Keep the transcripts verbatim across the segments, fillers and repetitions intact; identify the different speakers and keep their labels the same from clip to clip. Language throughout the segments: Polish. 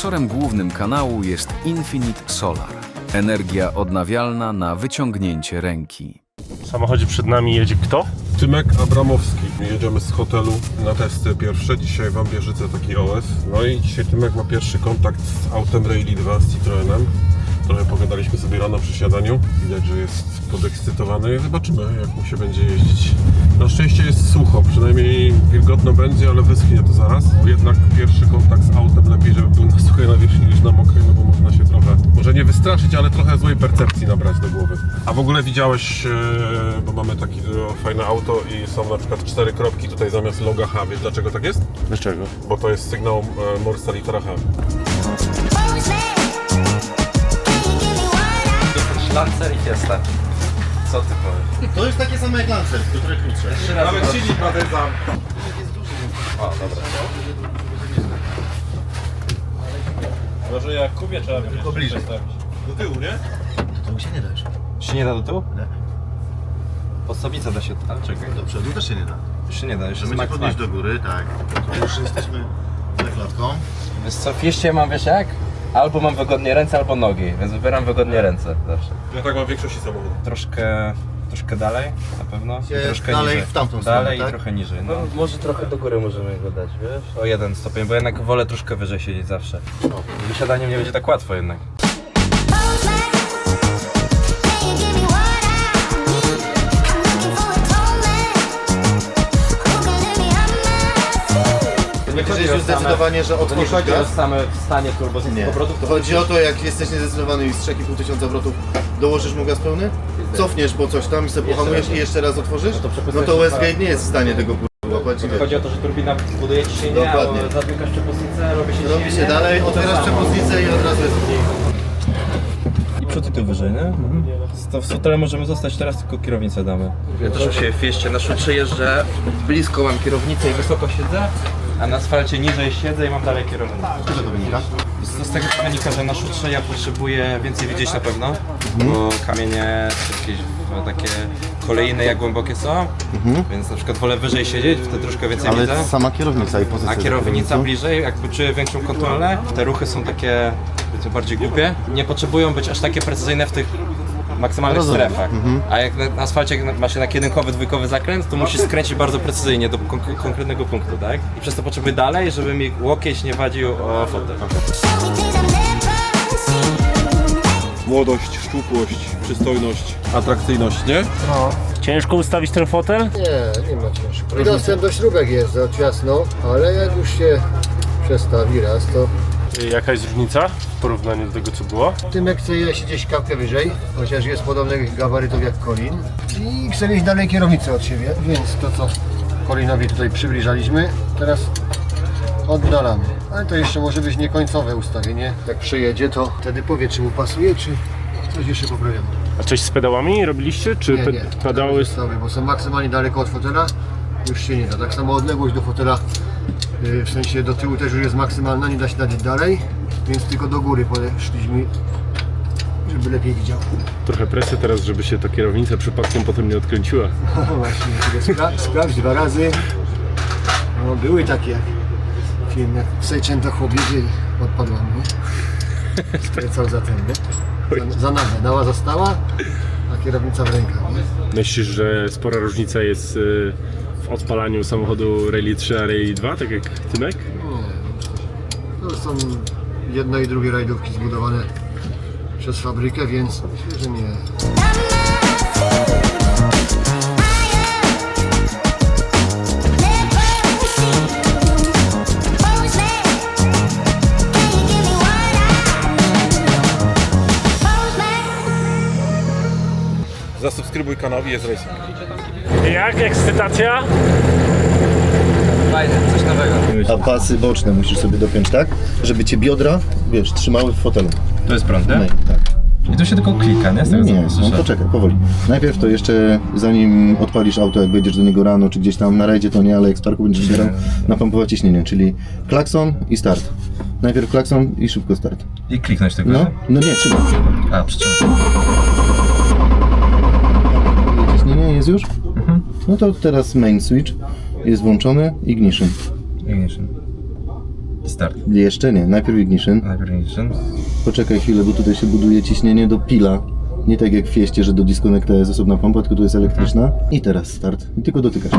Speaker 1: Sponsorem głównym kanału jest Infinite Solar. Energia odnawialna na wyciągnięcie ręki.
Speaker 2: W samochodzie przed nami jedzie kto?
Speaker 3: Tymek Abramowski. Jedziemy z hotelu na testy pierwsze. Dzisiaj w Ambierzyce taki O S. No i dzisiaj Tymek ma pierwszy kontakt z autem Rally dwa z Citroenem. Trochę pogadaliśmy sobie rano przy śniadaniu. Widać, że jest podekscytowany. Zobaczymy, jak mu się będzie jeździć. Na szczęście jest sucho, przynajmniej wilgotno będzie, ale wyschnie to zaraz. Bo jednak pierwszy kontakt z autem lepiej, żeby był na suchej nawierzchni niż na mokrej, no bo można się trochę, może nie wystraszyć, ale trochę złej percepcji nabrać do głowy. A w ogóle widziałeś, bo mamy takie fajne auto i są na przykład cztery kropki tutaj zamiast loga H. Wiesz dlaczego tak jest?
Speaker 2: Dlaczego?
Speaker 3: Bo to jest sygnał Morsa litera H.
Speaker 4: Lancer i Fiesta. Co ty powiesz?
Speaker 5: To jest takie same jak Lancer, tylko trochę krótsze.
Speaker 3: Nawet silnik prawie za.
Speaker 4: O, dobra.
Speaker 2: Może jak Kubie trzeba tylko bliżej stawić.
Speaker 3: Do tyłu, nie?
Speaker 5: To mu się nie da już.
Speaker 4: Się nie da do tyłu?
Speaker 5: Nie.
Speaker 4: Podstawnica da się, ale czekaj.
Speaker 5: Do przodu też się nie da.
Speaker 4: Już się nie da, już jest
Speaker 5: Trzeba
Speaker 4: max
Speaker 5: podnieść
Speaker 4: max.
Speaker 5: do góry, tak. To już jesteśmy za klatką.
Speaker 4: Wiesz co, w Fieście mam, wiesz jak? Albo mam wygodnie ręce, albo nogi, więc wybieram wygodnie ręce zawsze.
Speaker 3: Ja tak mam w większości samochodów.
Speaker 4: Troszkę, troszkę dalej na pewno i
Speaker 5: Się
Speaker 4: troszkę
Speaker 5: dalej
Speaker 4: niżej.
Speaker 5: w tamtą stronę,
Speaker 4: Dalej
Speaker 5: tak?
Speaker 4: i trochę niżej, no. Może trochę do góry możemy go dać, wiesz? O jeden stopień, bo jednak wolę troszkę wyżej siedzieć zawsze. Wysiadaniem nie będzie tak łatwo jednak.
Speaker 5: Myślisz już zdecydowanie, że
Speaker 4: To nie
Speaker 5: otworzysz
Speaker 4: chodzi o
Speaker 5: gaz?
Speaker 4: same stanie turbo z
Speaker 5: Nie.
Speaker 4: obrotów.
Speaker 5: To chodzi o to, jak jesteś niezdecydowany i z trzy i pół tysiąca obrotów dołożysz mu gaz pełny, cofniesz po coś tam i sobie pohamujesz i jeszcze raz otworzysz,
Speaker 4: No to
Speaker 5: no
Speaker 4: przepustujesz
Speaker 5: to
Speaker 4: się
Speaker 5: Westgate nie jest w stanie tego kurwa łapać. i wiesz.
Speaker 4: Chodzi o to, że turbina buduje ciśnienie,
Speaker 5: Dokładnie.
Speaker 4: a zamykasz przepustnicę, robi się
Speaker 5: Robi się dalej, otwierasz przepustnicę i od razu jest mniej.
Speaker 4: I przód i tył wyżej, nie? To w fotelem możemy zostać, teraz tylko kierownicę damy. Ja też się w Fieście na szutrze jeżdżę, blisko mam kierownicę i wysoko siedzę, a na asfalcie niżej siedzę i mam dalej kierownicę.
Speaker 5: Z czego to wynika?
Speaker 4: To z tego wynika, że na szutrze ja potrzebuję więcej widzieć na pewno, bo kamienie jakieś no, takie kolejne jak głębokie są, więc na przykład wolę wyżej siedzieć, wtedy troszkę więcej widzę.
Speaker 5: Ale sama kierownica i pozycja.
Speaker 4: A kierownica bliżej, jakby czuję większą kontrolę. Te ruchy są takie powiedzmy, bardziej głupie. Nie potrzebują być aż takie precyzyjne w tych maksymalnych
Speaker 5: Rozumiem.
Speaker 4: strefach. A jak na asfalcie ma się na jedynkowy, dwójkowy zakręt, to musisz skręcić bardzo precyzyjnie do kon- konkretnego punktu, tak? I przez to potrzebuję dalej, żeby mi łokieć nie wadził o fotel.
Speaker 3: Młodość, szczupłość, przystojność, atrakcyjność, nie?
Speaker 2: Ciężko ustawić ten fotel?
Speaker 6: Nie, nie ma ciężko. I dostęp do śrubek jest za ciasno, ale jak już się przestawi raz, to
Speaker 2: Jaka jest różnica w porównaniu do tego co było?
Speaker 6: Tymek chce jeździć gdzieś kapkę wyżej, chociaż jest podobnych gabarytów jak Colin. I chce mieć dalej kierownicę od siebie, więc to co Colinowi tutaj przybliżaliśmy, teraz oddalamy. Ale to jeszcze może być niekońcowe ustawienie. Jak przyjedzie, to wtedy powie, czy mu pasuje, czy coś jeszcze poprawiamy.
Speaker 2: A coś z pedałami robiliście? Czy
Speaker 6: Nie,
Speaker 2: pe-
Speaker 6: nie,
Speaker 2: pedały...
Speaker 6: zostały, bo są maksymalnie daleko od fotela, już się nie da. Tak samo odległość do fotela, yy, w sensie do tyłu też już jest maksymalna, nie da się dać dalej, więc tylko do góry podeszliśmy, żeby lepiej widział.
Speaker 2: Trochę presja teraz, żeby się ta kierownica przypadkiem potem nie odkręciła.
Speaker 6: No właśnie, tylko spra sprawdź dwa razy. No, były takie film, jak w Sejczęta chłop jedzie i odpadła mnie. Skręcał za ten, nie? Za, za nagę, nała została, a kierownica w rękach. Nie?
Speaker 2: Myślisz, że spora różnica jest y, w odpalaniu samochodu Rally trzy a Rally dwa, tak jak Tymek?
Speaker 6: Nie, to są jedno i drugie rajdówki zbudowane przez fabrykę, więc myślę, że nie.
Speaker 3: Zasubskrybuj kanał i jest racing.
Speaker 2: Jak? Ekscytacja?
Speaker 4: Fajne, coś nowego.
Speaker 5: A pasy boczne musisz sobie dopiąć tak, żeby cię biodra, wiesz, trzymały w fotelu.
Speaker 4: To jest prąd,
Speaker 5: No,
Speaker 4: nie?
Speaker 5: tak.
Speaker 4: I to się tylko klika, nie? Z tego
Speaker 5: Nie,
Speaker 4: co
Speaker 5: no
Speaker 4: słyszę.
Speaker 5: poczekaj, powoli. Najpierw to jeszcze, zanim odpalisz auto, jak wejdziesz do niego rano, czy gdzieś tam na rajdzie, to nie, ale jak z parku będziesz zbierał, napompować ciśnienie, czyli klakson i start. Najpierw klakson i szybko start.
Speaker 4: I kliknąć tylko,
Speaker 5: No,
Speaker 4: nie?
Speaker 5: no nie, trzymaj.
Speaker 4: A, przytrzymaj.
Speaker 5: Ciśnienie jest już? No to teraz main switch jest włączony, ignition.
Speaker 4: Ignition. Start.
Speaker 5: Jeszcze nie, najpierw ignition.
Speaker 4: Najpierw ignition.
Speaker 5: Poczekaj chwilę, bo tutaj się buduje ciśnienie do pila. Nie tak jak w Fieście, że do disconnecta jest osobna pompa, tylko tu jest elektryczna. I teraz start. I tylko dotykasz.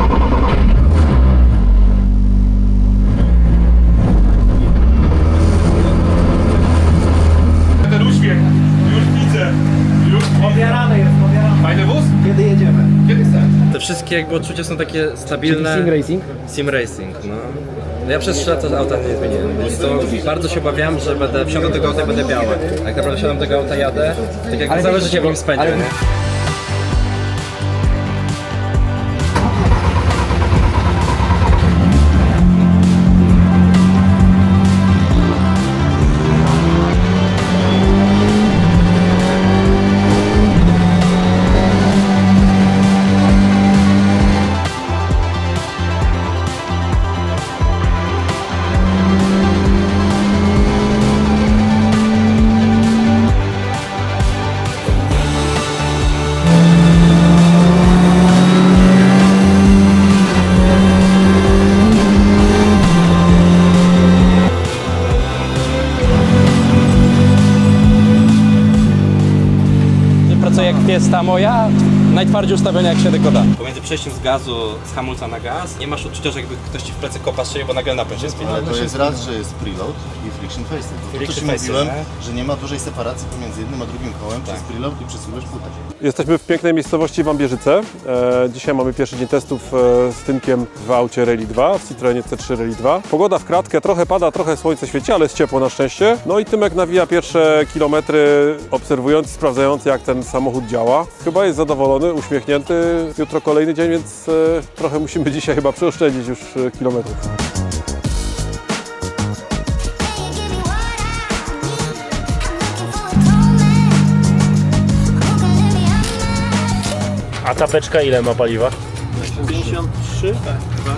Speaker 2: Ten uśmiech, już widzę, już
Speaker 7: Pobierany jest, pobierany.
Speaker 2: Fajny wóz?
Speaker 7: Kiedy jedziemy?
Speaker 2: Kiedy chcesz?
Speaker 4: Te wszystkie jakby odczucia są takie stabilne.
Speaker 7: Sim Racing?
Speaker 4: Sim Racing, no. No ja przez trzy lata auta nie zmieniłem, więc to bardzo się obawiam, że będę wsiądę do tego auta i będę biały. A jak naprawdę wsiadam do tego auta, jadę, tak jak całe życie w nim spędzę,
Speaker 7: ale-
Speaker 4: nie?
Speaker 8: Pracuje jak Fiesta moja, najtwardziej ustawiona jak się tylko da.
Speaker 4: Pomiędzy przejściem z gazu, z hamulca na gaz, nie masz odczucia, że jakby ktoś ci w plecy kopa strzelił, bo nagle napęd się spina.
Speaker 5: Ale to jest raz, że jest preload i friction face. To
Speaker 4: Friction
Speaker 5: ci
Speaker 4: face,
Speaker 5: mówiłem,
Speaker 4: nie?
Speaker 5: że nie ma dużej separacji pomiędzy jednym a drugim kołem przez preload i przesuwasz płytę.
Speaker 2: Jesteśmy w pięknej miejscowości Wambierzyce. E, dzisiaj mamy pierwszy dzień testów e, z Tymkiem w aucie Rally dwa, w Citroenie C trzy Rally dwa. Pogoda w kratkę, trochę pada, trochę słońce świeci, ale jest ciepło na szczęście. No i Tymek nawija pierwsze kilometry, obserwując, sprawdzając jak ten samochód działa. Chyba jest zadowolony, uśmiechnięty. Jutro kolejny dzień, więc e, trochę musimy dzisiaj chyba przeoszczędzić już e, kilometrów.
Speaker 9: A ta beczka ile ma paliwa?
Speaker 2: pięćdziesiąt trzy? Tak, chyba.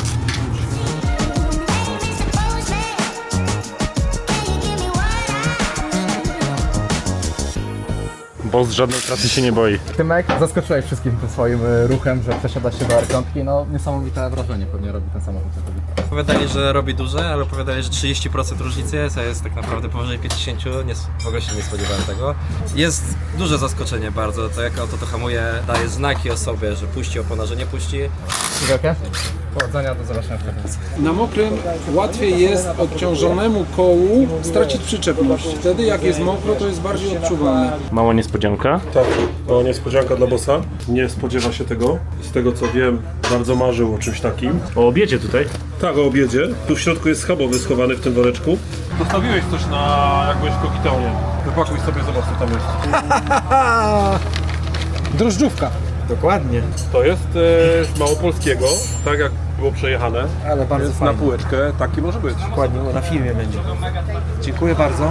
Speaker 9: Bo z żadnej trasy się nie boi.
Speaker 7: Tymek, zaskoczyłeś wszystkim tym swoim y, ruchem, że przesiada się do R pięć. No niesamowite wrażenie pewnie robi ten samochód.
Speaker 4: Opowiadali, że robi duże, ale opowiadali, że trzydzieści procent różnicy jest, a jest tak naprawdę powyżej pięćdziesiąt, nie, w ogóle się nie spodziewałem tego. Jest duże zaskoczenie bardzo, to jak auto to hamuje, daje znaki o sobie, że puści opona, że nie puści.
Speaker 7: Wielkie? Powodzenia, do zobaczenia w pracy.
Speaker 10: Na mokrym łatwiej jest odciążonemu kołu stracić przyczepność. Wtedy jak jest mokro, to jest bardziej odczuwalne.
Speaker 9: Mała niespodzianka.
Speaker 2: Tak, to niespodzianka dla bossa. Nie spodziewa się tego. Z tego co wiem, bardzo marzył o czymś takim.
Speaker 9: O obiedzie tutaj.
Speaker 2: Tak, o obiedzie. Tu w środku jest schabowy schowany w tym woreczku. Zostawiłeś coś na jak byłeś w Kokitaunie. Wypakuj sobie, zobacz co tam jest.
Speaker 10: Drożdżówka.
Speaker 7: Dokładnie.
Speaker 2: To jest e, z małopolskiego, tak jak było przejechane.
Speaker 7: Ale bardzo
Speaker 2: Więc
Speaker 7: fajnie.
Speaker 2: na półeczkę taki może być.
Speaker 7: Dokładnie, na filmie będzie. Dziękuję bardzo.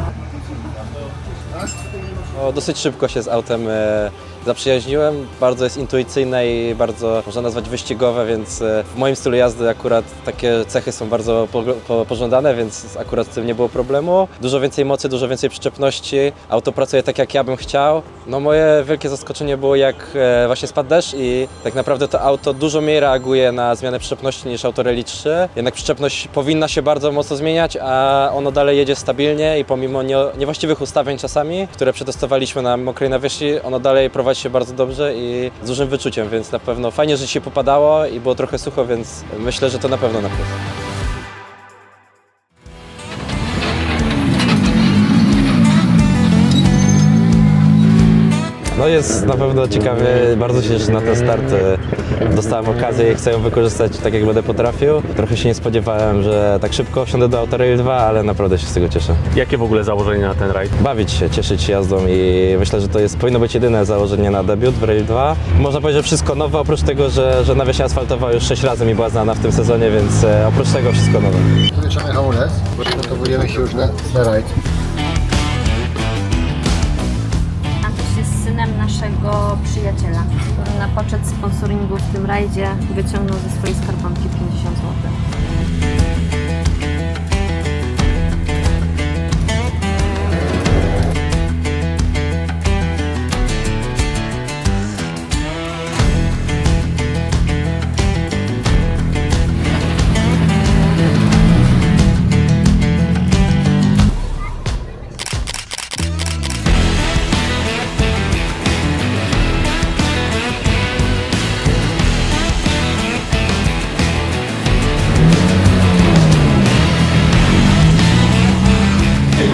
Speaker 8: No, dosyć szybko się z autem e, zaprzyjaźniłem. Bardzo jest intuicyjne i bardzo można nazwać wyścigowe, więc e, w moim stylu jazdy akurat takie cechy są bardzo po, po, pożądane, więc akurat z tym nie było problemu. Dużo więcej mocy, dużo więcej przyczepności. Auto pracuje tak jak ja bym chciał. No moje wielkie zaskoczenie było jak e, właśnie spadł deszcz i tak naprawdę to auto dużo mniej reaguje na zmianę przyczepności niż auto Rally trzy. Jednak przyczepność powinna się bardzo mocno zmieniać, a ono dalej jedzie stabilnie i pomimo nie, niewłaściwych ustawień czasami, które przetestowaliśmy na mokrej nawierzchni, ono dalej prowadzi się bardzo dobrze i z dużym wyczuciem, więc na pewno fajnie, że się popadało i było trochę sucho, więc myślę, że to na pewno na plus. No jest na pewno ciekawie, bardzo się cieszę na ten start. Dostałem okazję i chcę ją wykorzystać tak jak będę potrafił. Trochę się nie spodziewałem, że tak szybko wsiądę do auta Rally dwa, ale naprawdę się z tego cieszę.
Speaker 9: Jakie w ogóle założenie na ten rajd?
Speaker 8: Bawić się, cieszyć się jazdą i myślę, że to jest, powinno być jedyne założenie na debiut w Rally dwa. Można powiedzieć, że wszystko nowe, oprócz tego, że, że nawierzchnia asfaltowa już sześć razy mi była znana w tym sezonie, więc e, oprócz tego wszystko nowe.
Speaker 6: Wymieszamy hamulec, przygotowujemy się już na, na rajd.
Speaker 11: Antoś jest synem naszego przyjaciela, który na poczet sponsoringu w tym rajdzie wyciągnął ze swojej skarbonki pięćdziesiąt złotych.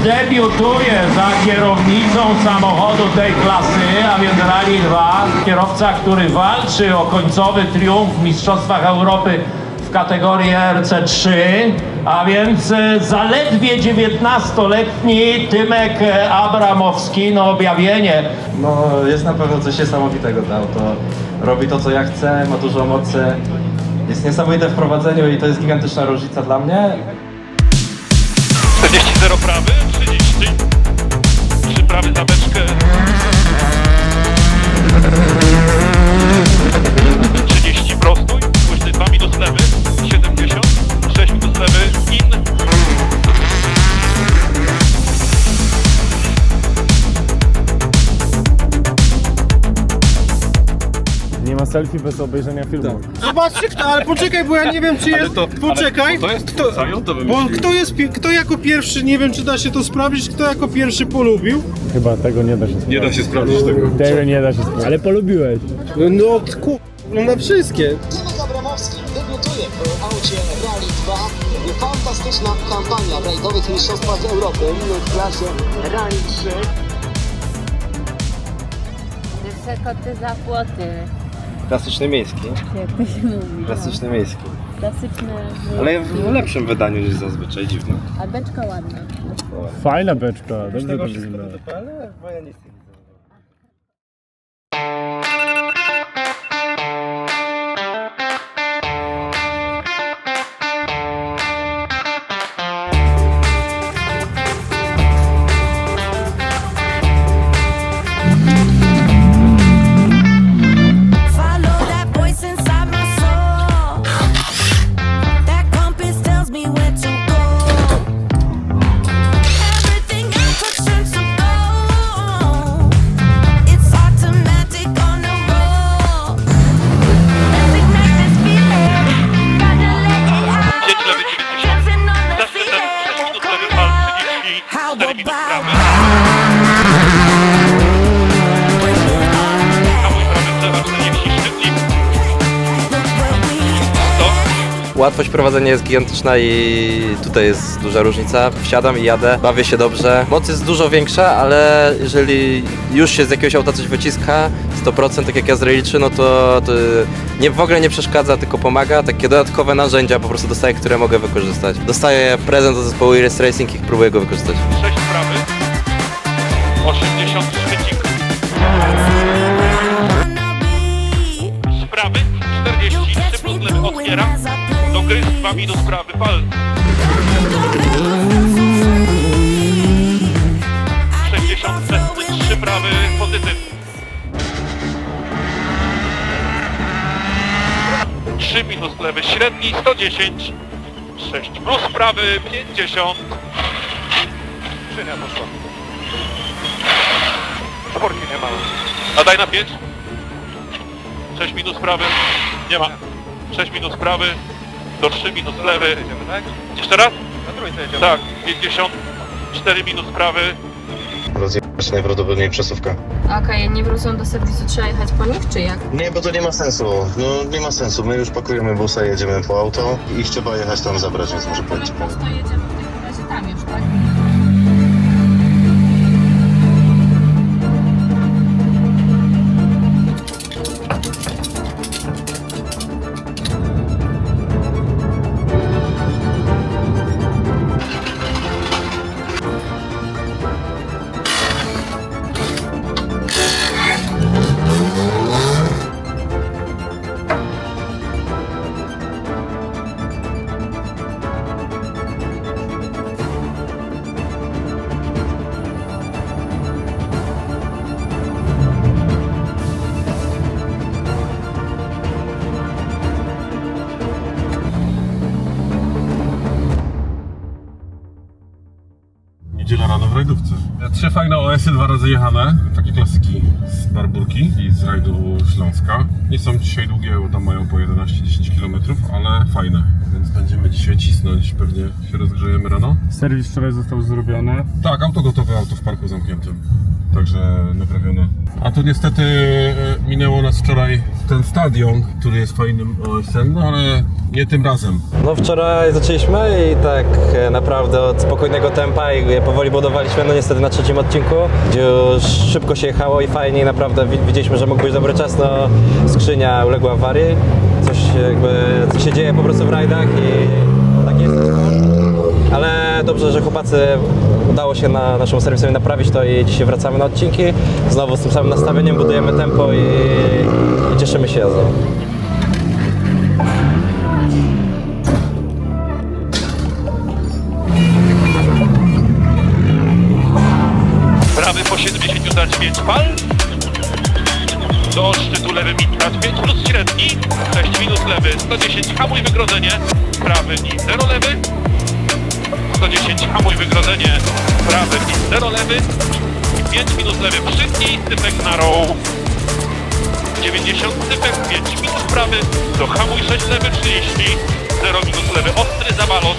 Speaker 12: debiutuje za kierownicą samochodu tej klasy, a więc Rally dwa. Kierowca, który walczy o końcowy triumf w Mistrzostwach Europy w kategorii R C trzy, a więc zaledwie dziewiętnastoletni Tymek Abramowski, no objawienie.
Speaker 4: No jest na pewno coś niesamowitego to auto. Robi to co ja chcę, ma dużo mocy. Jest niesamowite w prowadzeniu i to jest gigantyczna różnica dla mnie.
Speaker 13: czterdzieści zero prawy, trzydzieści trzy prawy za beczkę, trzydzieści prostój, później dwa minus lewy, siedemdziesiąt, sześć minus lewy, in.
Speaker 9: Nie ma selfie bez obejrzenia filmu.
Speaker 14: Zobaczcie kto, ale poczekaj, bo ja nie wiem czy jest... Poczekaj,
Speaker 3: To jest
Speaker 14: kto,
Speaker 3: to
Speaker 14: bo kto jest, pi- kto jako pierwszy, nie wiem czy da się to sprawdzić, kto jako pierwszy polubił.
Speaker 9: Chyba tego nie da się sprawdzić.
Speaker 3: Nie da się sprawdzić tego.
Speaker 9: Tego nie da się sprawdzić. Ale polubiłeś.
Speaker 14: No, no ku... no na wszystkie.
Speaker 15: Tymek Abramowski debiutuje w aucie Rally dwa. Fantastyczna kampania w rajdowych mistrzostwach Europy w klasie Rally trzy.
Speaker 11: Wysokoty za płoty.
Speaker 4: Klasyczny miejski.
Speaker 11: Jak to się mówi?
Speaker 4: Klasyczny miejski.
Speaker 11: Klasyczne.
Speaker 4: Ale w lepszym wydaniu niż zazwyczaj, dziwne.
Speaker 11: A beczka ładna.
Speaker 9: Fajna beczka, dobrze to wygląda.
Speaker 4: Ale bo ja nic nie widzę.
Speaker 8: Łatwość prowadzenia jest gigantyczna i tutaj jest duża różnica. Wsiadam i jadę, bawię się dobrze. Moc jest dużo większa, ale jeżeli już się z jakiegoś auta coś wyciska, sto procent tak jak ja z Rally trzy, no to, to nie, w ogóle nie przeszkadza, tylko pomaga. Takie dodatkowe narzędzia po prostu dostaję, które mogę wykorzystać. Dostaję prezent od zespołu Iris Racing i próbuję go wykorzystać.
Speaker 13: sześć prawy, osiemdziesiąt szczycik. Z prawy, czterdzieści, trzy plus lewy otwieram. Do gry, dwa minus prawy, pal. sześćdziesiąt, trzy prawy, pozytyw. trzy minus lewy, średni, sto dziesięć. sześć plus prawy, pięćdziesiąt. Szynia poszła. Sporki nie ma. A daj na pięć. sześć minus prawy, nie ma. sześć minus prawy, do trzy minus lewy. Jeszcze raz? Na trójce jedziemy. Tak, pięćdziesiąt, cztery minus prawy.
Speaker 5: Rozjechać najprawdopodobniej przesuwka.
Speaker 11: Okej, okay, nie wrócą do serwisu, trzeba jechać po nich, czy jak?
Speaker 5: Nie, bo to nie ma sensu. No nie ma sensu. My już pakujemy busa, jedziemy po auto i trzeba jechać tam zabrać, więc może pojedziemy.
Speaker 11: Po prostu jedziemy w takim razie tam już, tak?
Speaker 3: Niedziela rano w rajdówce. Trzy fajne O S y, dwa razy jechane. Takie klasyki z Barburki i z rajdu Śląska. Nie są dzisiaj długie, bo tam mają po jedenaście dziesięć kilometrów, ale fajne. Więc będziemy dzisiaj cisnąć, pewnie się rozgrzejemy rano.
Speaker 9: Serwis wczoraj został zrobiony.
Speaker 3: Tak, auto gotowe, auto w parku zamkniętym. także naprawiona. A tu niestety e, minęło nas wczoraj ten stadion, który jest fajnym O S em, no ale nie tym razem.
Speaker 8: No wczoraj zaczęliśmy i tak e, naprawdę od spokojnego tempa i je powoli budowaliśmy, no niestety na trzecim odcinku, gdzie już szybko się jechało i fajnie i naprawdę wi- widzieliśmy, że mógł być dobry czas, no skrzynia uległa awarii, coś jakby coś się dzieje po prostu w rajdach i tak jest. Ale dobrze, że chłopacy udało się na naszemu serwisowi naprawić to i dzisiaj wracamy na odcinki. Znowu z tym samym nastawieniem budujemy tempo i, i cieszymy się jazdą.
Speaker 13: Prawy po siedemdziesiąt dać pięć pal. Do szczytu lewy mitrać pięć plus średni. sześć minus lewy, sto dziesięć hamuj wygrodzenie. Prawy i zero lewy. sto dziesięć hamuj wygrodzenie. Prawy i zero lewy. pięć minus lewy przytnij, typek na row. dziewięćdziesiąt typek, pięć minus prawy. Do hamuj sześć lewy trzydzieści. zero minus lewy ostry za balon.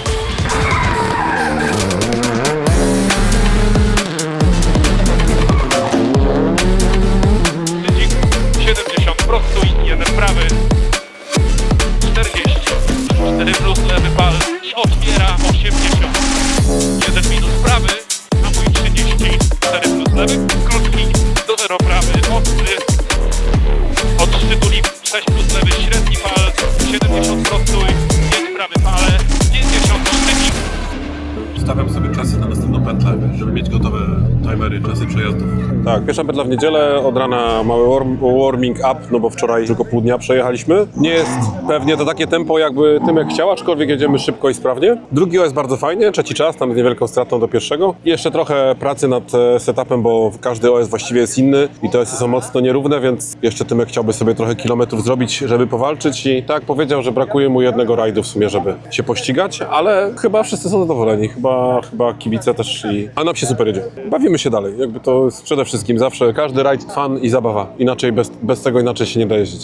Speaker 13: siedemdziesiąt prostuj, jeden prawy, czterdzieści, cztery plus lewy pal i otwiera osiemdziesiąt, jeden minus prawy, hamuj trzydzieści, cztery plus lewy, krótki, do zero prawy, ostry, od szczytu lip, sześć plus lewy, średni pal, siedemdziesiąt prostuj, pięć prawy pale, pięćdziesiąt sztyki.
Speaker 3: Ustawiam sobie czasy na następną pętlę, żeby mieć gotowe timery, czasy przejazdów.
Speaker 2: Tak, pierwsza pętla w niedzielę, od rana mały warm, warming up, no bo wczoraj tylko pół dnia przejechaliśmy. Nie jest pewnie to takie tempo, jakby Tymek chciał, aczkolwiek jedziemy szybko i sprawnie. Drugi O S bardzo fajnie, trzeci czas, tam z niewielką stratą do pierwszego. I jeszcze trochę pracy nad e, setupem, bo każdy O S właściwie jest inny i te O Sy są mocno nierówne, więc jeszcze Tymek chciałby sobie trochę kilometrów zrobić, żeby powalczyć i tak powiedział, że brakuje mu jednego rajdu w sumie, żeby się pościgać, ale chyba wszyscy są zadowoleni, chyba, chyba kibice też i... A nam się super jedzie. Bawimy się dalej, jakby to jest przede wszystkim zawsze każdy rajd fan i zabawa. Inaczej, bez, bez tego inaczej się nie da jeździć.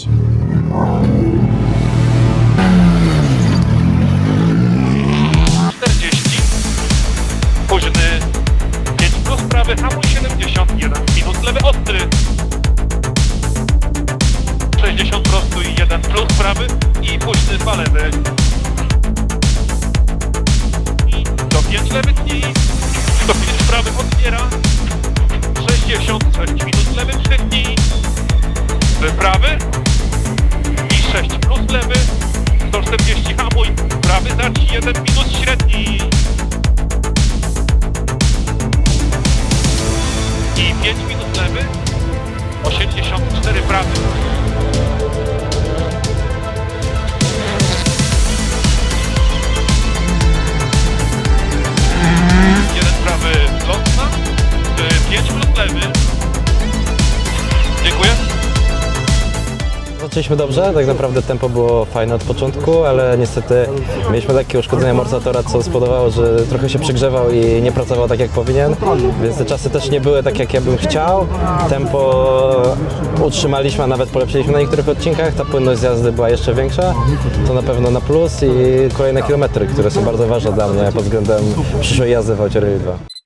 Speaker 13: czterdzieści, późny, pięć plus prawy, hamuj siedemdziesiąt, jeden minus lewy ostry, sześćdziesiąt prostuj, jeden plus prawy i późny dwa lewy. I do pięć lewy tnij, do pięć prawy otwiera, sześćdziesiąt, sześć minus lewy przytnij, wyprawy i sześć plus lewy, sto czterdzieści hamuj, prawy zacz, jeden minus średni i pięć minus lewy, osiemdziesiąt cztery prawy. Jeden prawy lotna, pięć plus lewy. Dziękuję.
Speaker 8: Zaczęliśmy dobrze, tak naprawdę tempo było fajne od początku, ale niestety mieliśmy takie uszkodzenie amortyzatora, co spowodowało, że trochę się przegrzewał i nie pracował tak jak powinien, więc te czasy też nie były tak jak ja bym chciał. Tempo utrzymaliśmy, a nawet polepszyliśmy na niektórych odcinkach, ta płynność z jazdy była jeszcze większa, to na pewno na plus i kolejne kilometry, które są bardzo ważne dla mnie pod względem przyszłej jazdy w aucie Rally dwa.